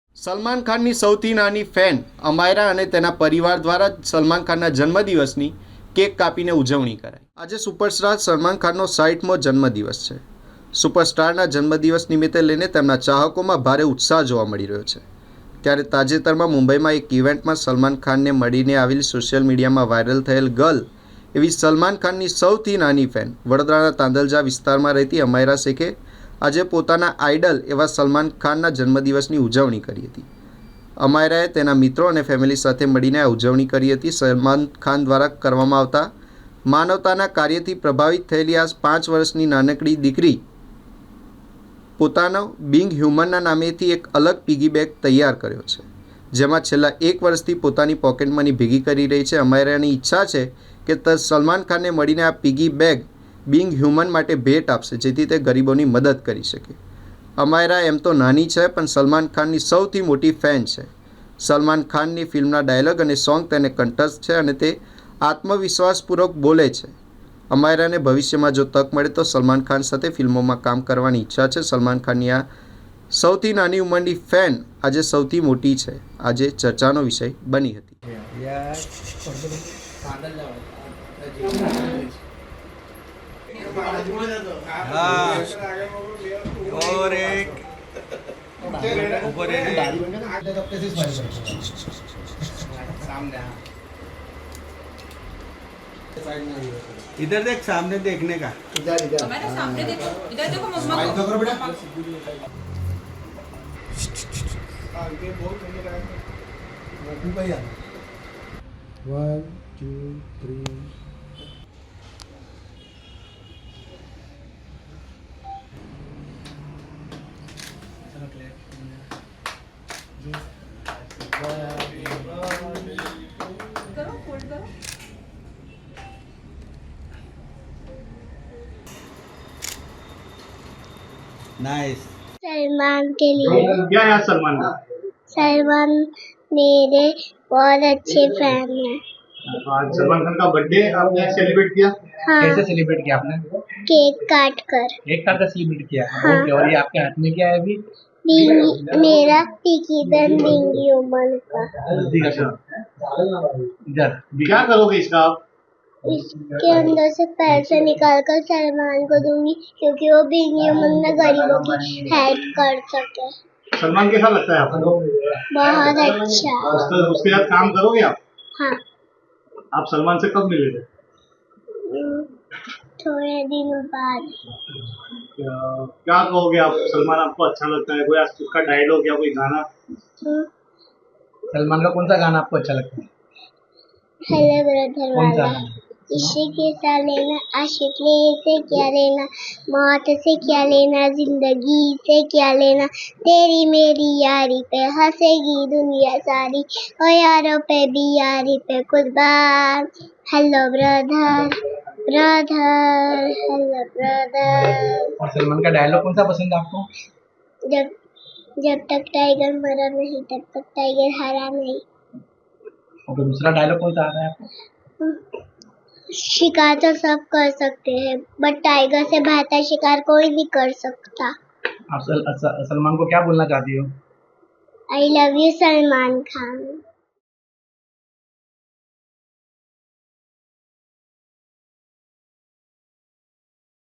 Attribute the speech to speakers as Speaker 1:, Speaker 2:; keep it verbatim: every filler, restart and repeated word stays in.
Speaker 1: સલમાન ખાનની સૌથી નાની ફેન અમાયરા અને તેના પરિવાર દ્વારા સલમાન ખાનના જન્મદિવસની કેક કાપીને ઉજવણી કરાઈ। આજે સુપરસ્ટાર સલમાન ખાનનો સાઠમો જન્મદિવસ છે। સુપરસ્ટારના જન્મદિવસ નિમિત્તે લઈને તેમના ચાહકોમાં ભારે ઉત્સાહ જોવા મળી રહ્યો છે। ત્યારે તાજેતરમાં મુંબઈમાં એક ઇવેન્ટમાં સલમાન ખાનને મળીને આવેલી સોશિયલ મીડિયામાં વાયરલ થયેલ ગર્લ એવી સલમાન ખાનની સૌથી નાની ફેન વડોદરાના તાંદલજા વિસ્તારમાં રહેતી અમાયરા શેખે આજે પોતાના આઇડલ એવા સલમાન ખાનના જન્મદિવસની ઉજવણી કરી હતી। અમાયરાએ તેના મિત્રો અને ફેમિલી સાથે મળીને આ ઉજવણી કરી હતી। સલમાન ખાન દ્વારા કરવામાં આવતા માનવતાના કાર્યથી પ્રભાવિત થયેલી આ પાંચ વર્ષની નાનકડી દીકરી પોતાનો બિંગ હ્યુમનના નામેથી એક અલગ પીગી બેગ તૈયાર કર્યો છે, જેમાં છેલ્લા એક વર્ષથી પોતાની પોકેટ મની ભેગી કરી રહી છે। અમાયરાની ઈચ્છા છે કે સલમાન ખાનને મળીને આ પીગી બેગ બિંગ હ્યુમન માટે ભેટ આપશે, જેથી તે ગરીબોની મદદ કરી શકે। અમાયરા એમ તો નાની છે, પણ સલમાન ખાનની સૌથી મોટી ફેન છે। સલમાન ખાનની ફિલ્મના ડાયલોગ અને સોંગ તેને કંઠસ્થ છે અને તે આત્મવિશ્વાસપૂર્વક બોલે છે। અમાયરાને ભવિષ્યમાં જો તક મળે તો સલમાન ખાન સાથે ફિલ્મોમાં કામ કરવાની ઈચ્છા છે। સલમાન ખાનની આ સૌથી નાની ઉંમરની ફેન આજે સૌથી મોટી છે, આજે ચર્ચાનો વિષય બની હતી।
Speaker 2: हाँ और एक ऊपर इधर देख, सामने देखने का।
Speaker 3: इधर इधर हमारे सामने देखो, इधर देखो मम्मा को करो बेटा।
Speaker 4: वन टू थ्री
Speaker 3: करो फोल्ड करो।
Speaker 2: नाइस।
Speaker 5: सलमान के लिए
Speaker 6: क्या है सलमान का?
Speaker 5: सलमान मेरे बहुत अच्छे फैन हैं।
Speaker 6: आज सलमान खान का बर्थडे आपने सेलिब्रेट किया?
Speaker 5: हाँ,
Speaker 7: कैसे सेलिब्रेट किया आपने?
Speaker 5: केक काट कर।
Speaker 7: एक साल का सेलिब्रेट किया।
Speaker 5: हाँ।
Speaker 7: ओके, और ये आपके हाथ में क्या है अभी?
Speaker 5: बिंगी- मेरा टिकी बन बिंगी उमन का।
Speaker 6: अच्छा,
Speaker 7: इधर
Speaker 6: क्या करोगे इसका आप?
Speaker 5: इसके अंदर से पैसे निकाल कर सलमान को दूंगी, क्योंकि वो बिंगी उमन में गरीबों की हेल्प कर सके।
Speaker 6: सलमान कैसा लगता है आपको?
Speaker 5: बहुत अच्छा।
Speaker 6: उसके उसके साथ काम करोगे आप?
Speaker 5: हाँ,
Speaker 6: आप सलमान से कब मिले थे?
Speaker 5: हम्म, थोड़े दिनों बाद।
Speaker 6: क्या क्या कहोगे आप? सलमान आपको अच्छा लगता है? कोई आज उसका डायलॉग या कोई गाना?
Speaker 5: हम्म,
Speaker 7: सलमान का कौन सा गाना आपको अच्छा लगता है?
Speaker 5: हेलो ब्रदर
Speaker 7: कौन सा
Speaker 5: वाला।
Speaker 7: गाना?
Speaker 5: इश्क के साथ लेना, आशिक ले से क्या लेना, मौत से क्या लेना, जिंदगी से क्या लेना, तेरी मेरी यारी पे हंसेगी दुनिया सारी, ओ यारों पे भी यारी पे कुर्बान। Hello brother brother hello brother.
Speaker 7: और सलमान का डायलॉग कौन सा पसंद है आपको?
Speaker 5: जब जब तक टाइगर मरा नहीं तब तक टाइगर हारा नहीं।
Speaker 7: और दूसरा डायलॉग कौन सा आ रहा है आपको?
Speaker 5: शिकार तो सब कर सकते हैं, बट टाइगर से बेहतर शिकार कोई नहीं कर सकता।
Speaker 7: आप सल, सल, सलमान को क्या बोलना चाहती हो?
Speaker 5: I love you Salman Khan.